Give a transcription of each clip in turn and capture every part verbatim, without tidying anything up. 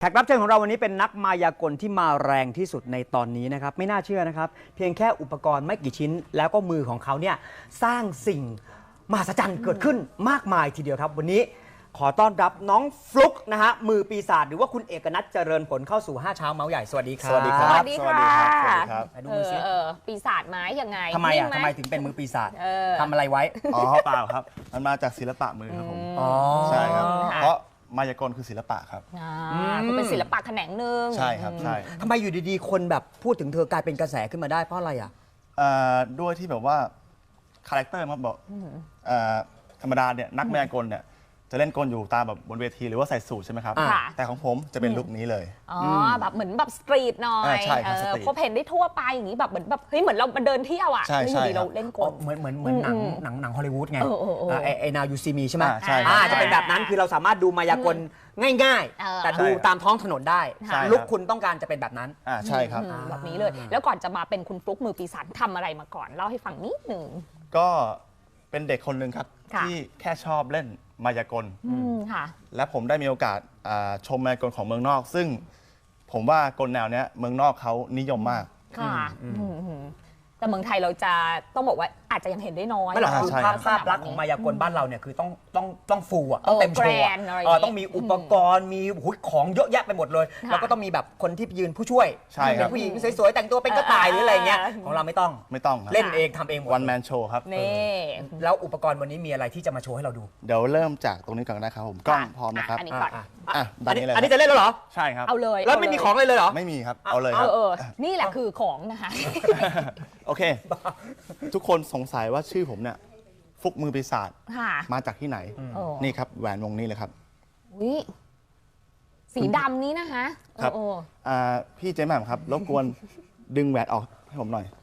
แขกรับเชิญของเราวันนี้เป็นนักมายากลที่มาแรงที่สุดในตอนนี้นะครับไม่น่าเชื่อนะครับเพียงแค่อุปกรณ์ไม่กี่ชิ้น แล้วก็มือของเขาเนี่ยสร้างสิ่งมหัศจรรย์เกิดขึ้นมากมายทีเดียวครับวันนี้ขอต้อนรับน้องฟลุ๊กนะฮะมือปีศาจหรือว่าคุณเอกนัทเจริญผลเข้าสู่ห้าเช้าเมาส์ใหญ่สวัสดีครับสวัสดีครับสวัสดีค่ะสวัสดีครับไหนดูเอมืออซิเออปีศาจไม้ยังไงทำไมอ่ะนิ่งหทำไมถึงเป็นมือปีศาจเออทำอะไรไว้อ๋อเปล่าครับ มันมาจากศิลปะมือครับผมอ๋อใช่ครับค่ะเพราะมายากลคือศิลปะครับอ่าอืมคือเป็นศิลปะแขนงหนึ่งใช่ครับใช่ทำไมอยู่ดีๆคนแบบพูดถึงเธอกลายเป็นกระแสขึ้นมาได้เพราะอะไรอ่ะเอ่อด้วยที่แบบว่าคาแรคเตอร์มันบอกเอ่อธรรมดาเนี่ยนักมายากลเนี่ยจะเล่นกลอยู่ตามแบบบนเวทีหรือว่าใส่สูทใช่ไหมครับอ่าค่ะแต่ของผมจะเป็นลุคนี้เลยอ๋ออแบบเหมือนแบบสตรีทหน่อยอ่าใช่ครับเอสอตรีทพบเห็นได้ทั่วไปอย่างนี้แบบเหมือนแบบเฮ้ยเหมือนเรามาเดินเที่ยวอ่ะใช่แล้วอยู่ดีใช่ครับเราเล่นกอ๋อลเหมือนเหมือนเหมือนหนังอืมหนังหนังฮอลลีวูดไงเออเออเออไอ้ไอ้ Now You See Me ใช่ไหมอ่าใช่อ่าครับจะเป็นแบบนั้นคือเราสามารถดูมายากลง่ายเออๆ แต่ดูตามท้องถนนได้ใช่ครับลุกคุณต้องการจะเป็นแบบนั้นอ่าใช่ครับอืมแบบนี้เลย แล้วก่อนจะมาเป็นคุณฟลุ๊กมือปีศาจทำอะไรมาก่อนเล่าให้ฟังนิดหนึ่งก็เป็นเด็กคนหนึ่งครับค่ะที่แค่ชอบเล่นมายากลอืมค่ะและผมได้มีโอกาสอ่าชมมายากลของเมืองนอก ซึ่งผมว่ากลแนวเนี้ยเมืองนอกเขานิยมมากค่ะอืมอืมแต่เมืองไทยเราจะต้องบอกว่าอาจจะยังเห็นได้น้อยไม่หรอกอ่าคือใช่ภาพครับภาพลักษณ์ของมายากลบ้านเราเนี่ยคือต้องต้องต้องฟูอ่ะต้องเต็มโชว์อะเออแกรนด์อะไรอย่างงี้เออต้องมีอุปกรณ์มีหุยของเยอะแยะไปหมดเลยค่ะแล้วก็ต้องมีแบบคนที่ยืนผู้ช่วยใช่ครับเป็นผู้หญิงสวยๆแต่งตัวเป็นกระต่ายหรืออะไรเงี้ยเออของเราไม่ต้องไม่ต้องครับเล่นเองทำเองหมดวันแมนโชว์ครับนี่แล้วอุปกรณ์วันนี้มีอะไรที่จะมาโชว์ให้เราดูเดี๋ยวเริ่มจากตรงนี้ก่อนนะครับผมกล้องพร้อมนะครับอันนี้ก่อนอ่ะอ่ะอันนี้ด้านนี้เลยอันนี้จะเล่นแล้วเหรอใช่ครับเอาเลยแล้วไม่มีของเลยเลยเหรอไม่มีครับ เอาเลยเอครับอเออนี่แหละคือของนะคะโอเค ทุกคนสงสัยว่าชื่อผมเนี่ยฟุกมือปีศาจค่ะมาจากที่ไหนโอ้นี่ครับแหวนวงนี้เลยครับอุ๊ยสีดำนี้นะคะครับโอ้อ่าพี่เจมส์แหม่มครับรบกวนดึงแหวนออกให้ผมหน่อย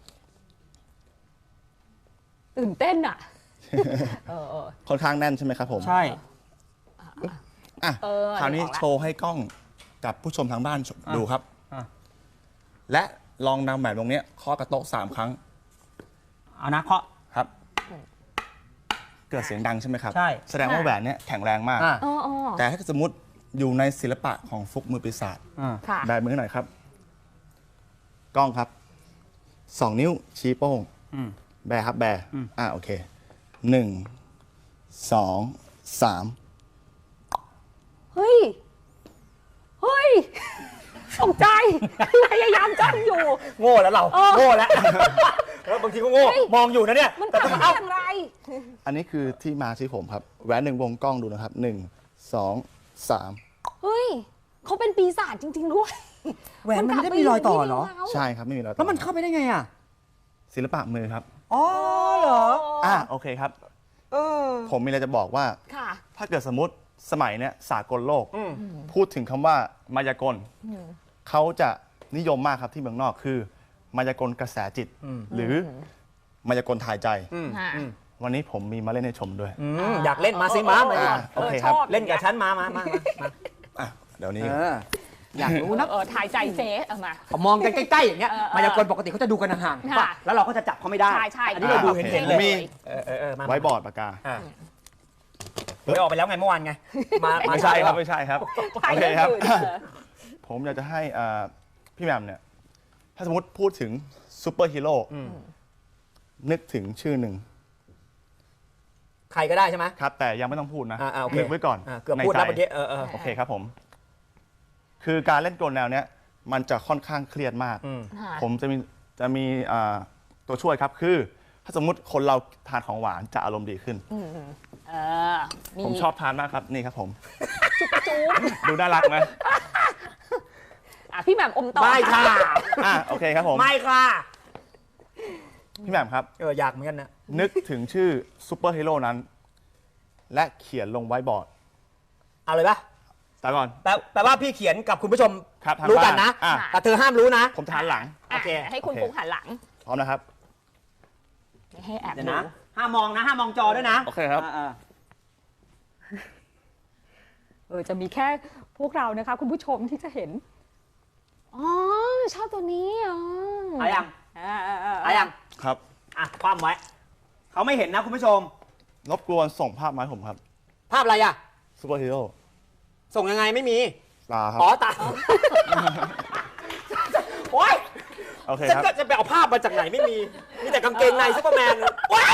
ตื่นเต้นอ่ะเออเออค่อนข้างแน่นใช่ไหมครับผมใช่อ่ะเออคราวนี้ออกละโชว์ให้กล้องกับผู้ชมทางบ้านอ่ะดูครับอ่ะและลองนำแหวนวงนี้เคาะกระโต๊ะสามครั้งเอานะเคาะครับ เกิดเสียงดังใช่ไหมครับใช่แสดงว่าแหวนเนี้ยแข็งแรงมากอ่ะอ๋ออ๋อแต่ถ้าสมมติอยู่ในศิลปะของฟุกมือปีศาจอ่ะค่ะแบมือหน่อยครับ กล้องครับสองนิ้วชี้โป้งอืมแบครับแบอืมอ่าโอเคหนึ่งสองสามเฮ้ย เฮ้ยตกใจ พยายามจ้องอยู่โง่แล้วเราเออโง่แล้ว แล้วบางทีก็โง่เฮ้ยมองอยู่นะเนี่ยมันแต่เกิดต้องมาเอ้าอย่างไรอันนี้คือที่มาชื่อผมครับแหวนหนึ่งวงกล้องดูนะครับหนึ่งสองสามเฮ้ยเขาเป็นปีศาจจริง ๆ ด้วยแหวนมันไม่ได้มีรอยต่อเหรอใช่ครับไม่มีแล้วแล้วมันเข้าไปได้ไงอ่ะศิลปะมือครับอ๋อเหรออ่าโอเคครับเออผมมีอะไรจะบอกว่าค่ะถ้าเกิดสมมติสมัยเนี้ยสากลโลกอืมพูดถึงคำว่ามายากลเขาจะนิยมมากครับที่เมืองนอกคือ มายากลกระแสจิตอืมหรือมายากลทายใจอืมค่ะอืมวันนี้ผมมีมาเล่นให้ชมด้วยอืมอยากเล่นมาสิมามาอ่าดิโอเคครับชอบเล่นกับฉันมามามามาอ่ะเดี๋ยวนี้เอออยากรู้นะเออถ่ายใจเจ๊เอามาเขามองกันใกล้ๆอย่างเงี้ยเออเออมายากลปกติเขาจะดูกันห่างๆค่ะป่ะแล้วเราก็จะจับเขาไม่ได้ใช่ใช่อันนี้เราดูเห็นโอเคเห็นผเลมยมีเออเออเออมาไว้บอร์ดปากกาอ่ะเฮ้ยออกไปแล้วไงเมื่อวานไงมาาไม่ใช่ครับเช้าไม่ใช่ครับถ่ายโอเคเรื่องครับอื่นเออผมอยากจะให้อ่าพี่แหม่มเนี่ย ถ้าสมมติพูดถึงซูเปอร์ฮีโร่อืมนึกถึงชื่อหนึ่งใครก็ได้ใช่ไหมครับ แต่ยังไม่ต้องพูดนะอ่าอ่าโอเคนึกไว้ก่อนอ่าเกือบในพูดแล้วใจเมื่อกี้เออเออโอเคครับผม คือการเล่นกลแนวเนี้ยมันจะค่อนข้างเครียดมากอืมค่ะผมจะมีจะมีอ่าตัวช่วยครับคือ ถ้าสมมุติคนเราทานของหวานจะอารมณ์ดีขึ้นอืมเออมีผมชอบทานมากครับนี่ครับผมจุ๊บจุ๊บดูน่ารักไหมอ่ะพี่แหม่มอมต่อไม่ค่ะอ่ะโอเคครับผมไม่ค่ะพี่แหม่มครับเอออยากเหมือนกันนะนึกถึงชื่อซูเปอร์ฮีโร่นั้น และเขียนลงไว้บอร์ดเอาเลยปะแต่ก่อนแปลแปลว่าพี่เขียนกับคุณผู้ชมครับทางรู้กันบ้านนะอ่ะแต่เธอห้ามรู้นะผมทานหลังอ่ะโอเคให้คุณโอเคฟุกหันหลังพร้อมนะครับไม่ให้แอบเดี๋ยวดูนะห้ามมองนะห้ามมองจอด้วยนะโอเคครับอ่าเออจะมีแค่พวกเรานะคะ คุณผู้ชมที่จะเห็น อ๋อ ชอบตัวนี้อ๋อๆเอายังอ่าอ่าอ่าเอายังครับอ่ะคว่ำไว้เขาไม่เห็นนะคุณผู้ชมรบกวนส่งภาพมาให้ผมครับภาพอะไรอ่ะซูเปอร์ฮีโร่ส่งยังไงไม่มีตาครับอ๋อตาโอ๊ยโอเคฉันครับก็จะไปเอาภาพมาจากไหนไม่มี มีแต่กางเกงในซูเปอร์แมนโอ๊ย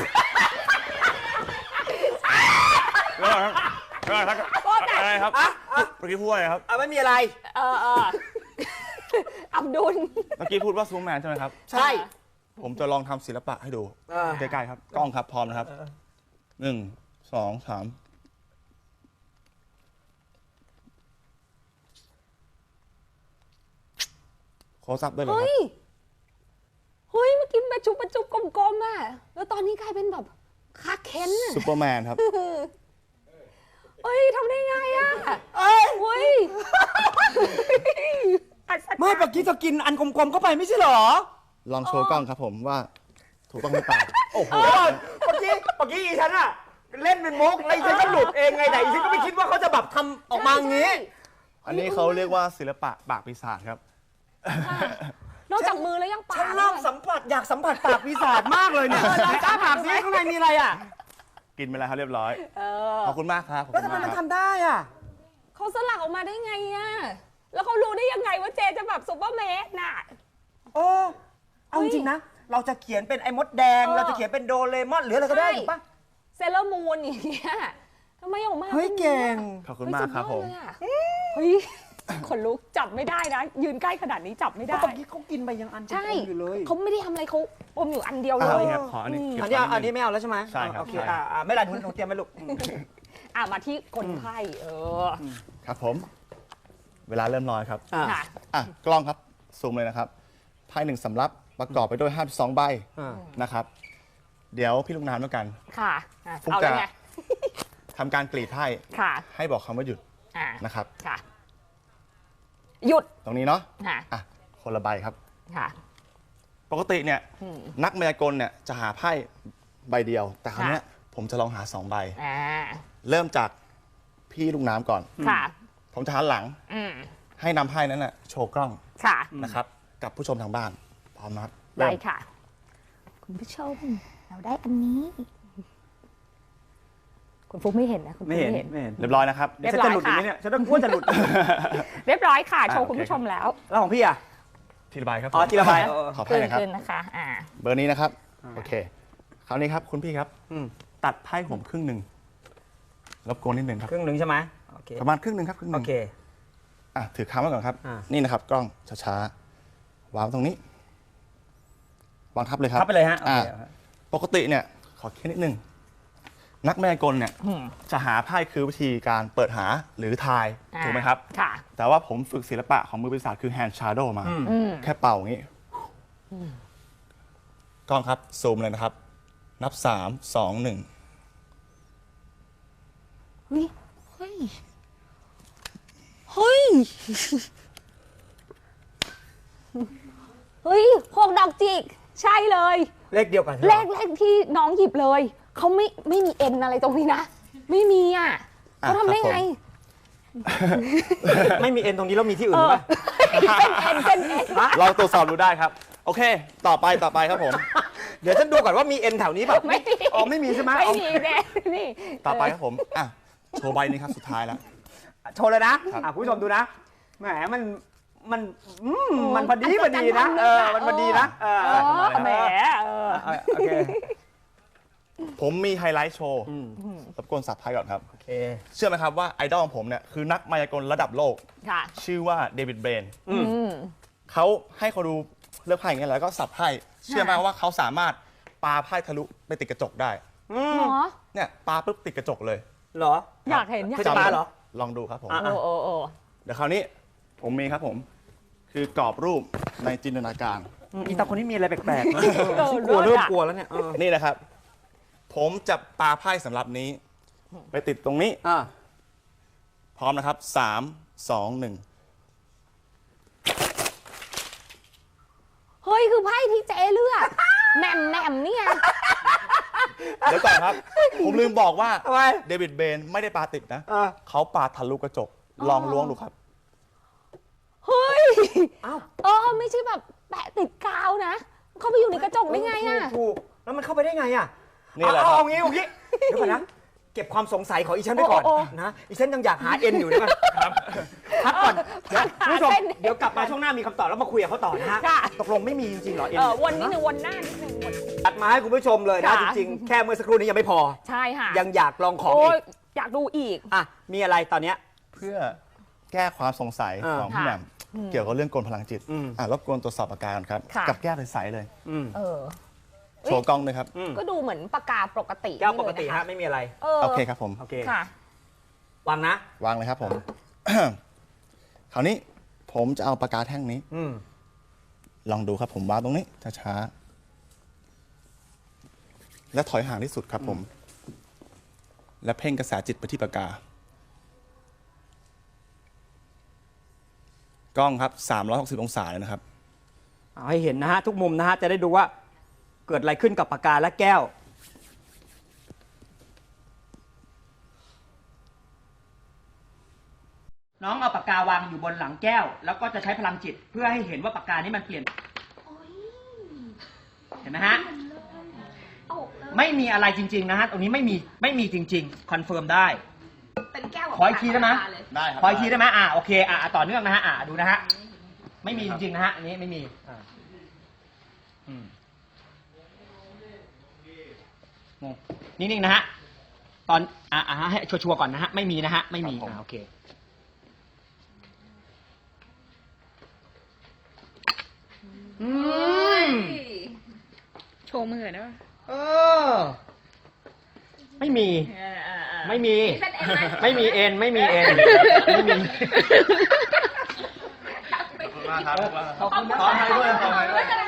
แล้วครับแล้วครับอะไรครับอ่ะอ่ะเมื่อกี้พูดอะไรครับอ่ะไม่มีอะไรเออเอออับดุลเมื่อกี้พูดว่าซูแมนใช่ไหมครับใช่ผมจะลองทำศิลปะให้ดูอ่าใกล้ๆครับ กล้องครับพร้อมนะครับหนึ่งสองสามโคซับได้เลยคเฮ้รับย เฮ้ย เมื่อกี้ประจุประจุกลมๆอ่ะ แล้วตอนนี้กลายเป็นแบบคาเคนอ่ะซูเปอร์แมนครับเฮ้ยทำได้ไงอ่ะเอ้ยเฮ้ยอัศจรรย์ไม่เมื่อกี้เธอกินอันกลมๆเข้าไปไม่ใช่เหรอลองโชว์กล้องครับผมว่าถูกต้องหรือเปล่าโอ้โห เมื่อกี้ เมื่อกี้อีฉันอะเล่นเป็นมุกแล้วอีฉันก็หลุดเองไงแต่อีฉันก็ไม่คิดว่าเขาจะแบบทำออกมาอย่างนี้อันนี้เขาเรียกว่าศิลปะปากปีศาจครับนอกจากมือแล้วยังปากฉันเริ่มสัมผัสอยากสัมผัสปากปีศาจมากเลยเนี่ยไหนอ้าปากซิข้างในมีอะไรอ่ะกินไปแล้วครับเรียบร้อยเออขอบคุณมากครับขอบแล้วคุณทำไมมากมันครับทำได้อ่ะเขาสลักออกมาได้ไงอ่ะ แล้วเขารู้ได้ยังไงว่าเจจะแบบซุปเปอร์แมนน่ะโอ้เอาจริงๆนะ เราจะเขียนเป็นไอ้มดแดงเออเราจะเขียนเป็นโดเรมอนหรืออะไรก็ได้ใช่ถูกปะเซเลอร์มูนอย่างเงี้ยทำไมออกมาเฮ้ยป็นเก่งขอบคุณมากครับผมเฮ้ยสุดยอดเลยอะเฮ้ยขนลุกจับไม่ได้นะ ยืนใกล้ขนาดนี้จับไม่ก็ได้เมื่อกี้เขากินไปยังอันใช่กลมๆอยู่เลยเขาไม่ได้ทำอะไรเขาอมอยู่อันเดียวเลอ่ะยนี่ครับขออันนี้เก็บอันนี้เอาไว้อันนี้ไม่เอาแล้วใช่ไหมใช่ครับโอเคใช่อ่าอ่าไม่เป็นไรหนูหนูเตรียมไว้ลูกอ่ะมาที่คนไข้เออครับผม เวลาเริ่มน้อยครับอ่าค่ะอ่ะกล้องครับซูมเลยนะครับไพ่หนึ่งสำรับประกอบไปด้วยห้าสิบสองใบอ่านะครับ เดี๋ยวพี่ลูกน้ำแล้วกันค่ะอ่ะฟุกเอาจะแล้วไงทำการกรีดไพ่ค่ะให้บอกคำว่าหยุดอ่ะนะครับค่ะ หยุดตรงนี้เนาะค่ะอ่ะคนละใบครับค่ะปกติเนี่ยอืมนักมายากลเนี่ยจะหาไพ่ใบเดียว แต่คราวเนี้ยค่ะผมจะลองหาสองใบอ่าเริ่มจากพี่ลูกน้ำก่อนค่ะผมจะหันหลังอืมให้นำไพ่นั้นน่ะโชว์กล้องค่ะนะครับ กับผู้ชมทางบ้านพร้อมนะครับได้เริ่มค่ะ คุณผู้ชม เราได้อันนี้ คุณฟุ๊กไม่เห็นนะ คุณฟุ๊ไม่กเห็นไม่เห็นไม่เห็นเรียบร้อยนะครับเรียบฉันร้อยจะหลุดอย่างค่ะนี้เนี่ยฉันต้องกลัวจะหลุดเรียบร้อยค่ะอ่ะโชว์โอเคคุณผู้ชมแล้วแล้วของพี่อ่ะทีละใบครับอ๋อผมทีละใบขอคืไพ่นหนะครับคืนนะคะ อ่าเบอร์นี้นะครับ โอเค คราวนี้ครับคุณพี่ครับอืมตัดไพ่ผมครึ่งหนึ่งรบกวนนิดหนึ่งครับครึ่งหนึ่งใช่ไหมโอเคประมาณครึ่งหนึ่งครับครึ่งหโอนึ่งเคอ่ะถือค้างไว้ก่อนครับอ่านี่นะครับ กล้องช้าๆวางตรงนี้ วางทับเลยครับทับไปเลยฮะโออ่าเคปกติเนี่ย ขอแค่นิดนึง นักแม่กลเนี่ยอืมจะหาไพ่คือวิธีการเปิดหาหรือทายอ่าถูกไหมครับค่ะแต่ว่าผมฝึกศิลปะของมือปีศาจคือ hand shadow มาอืมอืมแค่เป่าอย่างนี้กล้องครับ ซูมเลยนะครับ นับสามสองหนึ่งเฮ้ย เฮ้ย เฮ้ย เฮ้ยหกดอกจิก ใช่เลยเลขเดียวกันใช่ไหมเลขเลขที่น้องหยิบเลย เขาไม่ไม่มีเอ็นอะไรตรงนี้นะ ไม่มีอ่ะเขาทำได้ไงไม่มีเอ็นตรงนี้แล้วมีที่อื่นเออป่ะเป็นเอ็นเป็นเอ็นลองตรวจสอบดูได้ครับ โอเค ต่อไปต่อไปครับผมเดี๋ยวฉันดูก่อนว่ามีเอ็นแถวนี้แบบไม่มีอ๋อไม่มีใช่ไหมไม่เอามีแน่นี่ต่อไปครับผม อ่ะ โชว์ใบนี้ครับ สุดท้ายแล้วโชว์เลยนะครับ อ่ะคุณผู้ชมดูนะแหมมันมันอืมมันพอดีพอดีนะเออมันพอดีนะเออเออแหมเออเออโอเคผมมีไฮไลท์โชว์อืมรบกวนสับไพ่ก่อนครับโอเคเชื่อไหมครับว่าไอดอลของผมเนี่ยคือนักมายากลระดับโลกค่ะชื่อว่าเดวิดเบรนอืมอืมเขาให้เขาดูเลือกไพ่อย่างเงี้ยแล้วก็สับไพ่ เชื่อไหมว่าเขาสามารถปาไพ่ทะลุไปติดกระจกได้อืมเหรอเนี่ยปาปุ๊บติดกระจกเลยเหรออยากเห็นอยากเคยจะเห็นปาเหรอลองดูครับผมอ่ะโอ้โอ้โอ้เดี๋ยวคราวนี้ผมมีครับผม คือกรอบรูปในจินตนาการอืมอีตาคนนี้มีอะไรแปลกๆนะเออกลัวเลิเริ่ศมอะกลัวแล้วเนี่ยเออนี่นะครับ ผมจะปาไพ่สำหรับนี้ ไปติดตรงนี้อ่ะพร้อมนะครับสามสองหนึ่งเฮ้ย คือไพ่ที่เจเลือกแหม่มแหม่มนี่ไงเดี๋ยวก่อนครับ ผมลืมบอกว่าทำไมเดวิดเบนไม่ได้ปาติดนะเออเขาปาทะลุกระจก ลองล้วงดูครับเฮ้ยเอ้าเออ ไม่ใช่แบบแปะติดกาวนะ เขาไปอยู่ในกระจกได้ไงอ่ะถูกถูกแล้วมันเข้าไปได้ไงอ่ะนี่แหละเอาครับเอางี้เอางี้เดี๋ยวก่อนนะ เก็บความสงสัยของอีฉันไว้ก่อนโอ้โอ้นะอีฉันยังอยากหาเอ็นอยู่นะพักก่อนเดี๋ยวหาคุณผู้ชมเส้นเดี๋ยวกลับมาช่วงหน้ามีคำตอบแล้วมาคุยกับเขาต่อนะฮะค่ะตกลงไม่มีจริงๆเหรอเอ็นเออวนนิดนึงวนหน้านิดนึงวนตัดมาให้คุณผู้ชมเลยนะค่ะจริงๆ แค่เมื่อสักครู่นี้ยังไม่พอใช่ค่ะยังอยากลองของโอ้อียกอยากดูอีกอ่ะมีอะไรตอนเนี้ยเพื่อแก้ความสงสัยอ่าของพี่แหม่มเกี่ยวกับเรื่องกลพลังจิตอืมอ่ะรบกวนตรวจสอบปากกาก่อนครับค่ะกับแก้วใสๆเลยอืมเออโชว์กล้องเลยครับอืมก็ดูเหมือนปากกาปกติแก้วปกตินี่เลยนฮะไม่มีอะไรเออโอเคครับผมโอเคค่ะวางนะวางเลยครับผม คราวนี้ผมจะเอาปากกาแท่งนี้อืมลองดูครับผมวางตรงนี้ช้าๆและถอยห่างที่สุดครับผม และเพ่งกระแสจิตไปที่ปากกา กล้องครับสามร้อยหกสิบองศาเลยนะครับเอาให้เห็นนะฮะทุกมุมนะฮะจะได้ดูว่าเกิดอะไรขึ้นกับปากกาและแก้ว น้องเอาปากกาวางอยู่บนหลังแก้ว แล้วก็จะใช้พลังจิตเพื่อให้เห็นว่าปากกานี้มันเปลี่ยนเห็นไหมฮะไม่มีอะไรจริงๆนะฮะตรงนี้ไม่มีไม่มีจริงๆคอนเฟิร์มได้เป็นแก้วขออีกทีได้ไหมได้ครับขออีกทีได้ไหมอ่าโอเคอ่าต่อเนื่องนะฮะอ่าดูนะฮะไม่มีจริงๆนะฮะอันนี้ไม่มีอ่าอืมงงนิ่งๆนะฮะตอนอ่าอ่าให้ชัวร์ๆก่อนนะฮะไม่มีนะฮะไม่มีอ่าโอเคอืมโชว์มือได้ป่ะเออไม่มี ไม่มี ไม่มีเอ็น ไม่มีเอ็น ไม่มีขอบคุณมากครับขอบคุณนะขอให้ด้วยขอให้ด้วย